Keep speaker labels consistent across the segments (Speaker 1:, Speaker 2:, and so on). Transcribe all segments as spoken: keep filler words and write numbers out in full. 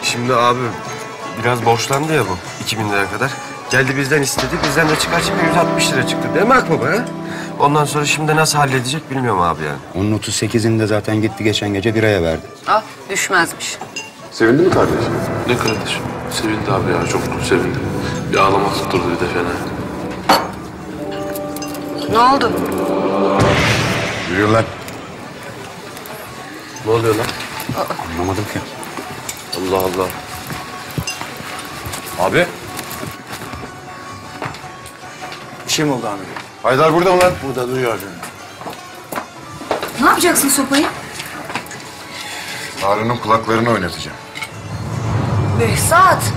Speaker 1: Şimdi abi biraz borçlandı ya bu iki bin lira kadar. Geldi bizden istedi, bizden de çıkar çıkar yüz altmış lira çıktı. Değil mi Akbaba ha? Ondan sonra şimdi nasıl halledecek bilmiyorum abi yani.
Speaker 2: Onun otuz sekizinde zaten gitti geçen gece biraya verdi.
Speaker 3: Ah düşmezmiş.
Speaker 4: Sevindi mi kardeş?
Speaker 5: Ne kardeşim? Sevindi abi ya, çok sevindi. Bir ağlama tutturdu bir de fena.
Speaker 3: Ne oldu?
Speaker 4: Yürüyün lan.
Speaker 1: Ne oluyor lan?
Speaker 2: Anlamadım ki.
Speaker 1: Allah Allah.
Speaker 4: Abi.
Speaker 6: Bir şey mi oldu amirim?
Speaker 4: Haydar burada mı lan?
Speaker 6: Burada duruyor.
Speaker 7: Ne yapacaksın sopayı?
Speaker 4: Harun'un kulaklarını oynatacağım.
Speaker 7: Behzat.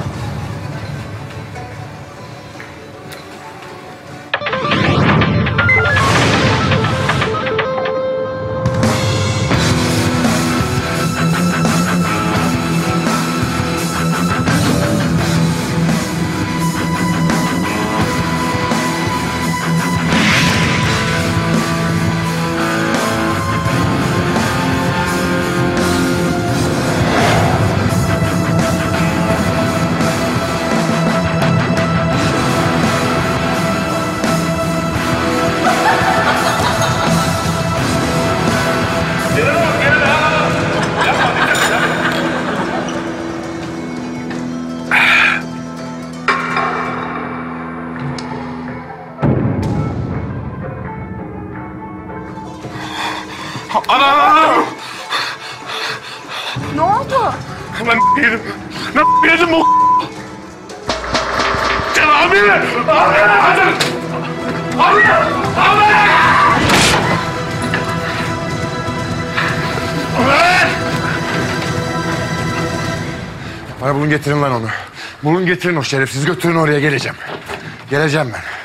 Speaker 5: Ana!
Speaker 7: Ne oldu?
Speaker 5: Ben yedim. Ben yedim o. Gel abi! Abi! Hadi! Abi! Abi!
Speaker 4: Bana bulun getirin lan onu. Bulun getirin o şerefsiz, götürün oraya, geleceğim. Geleceğim ben.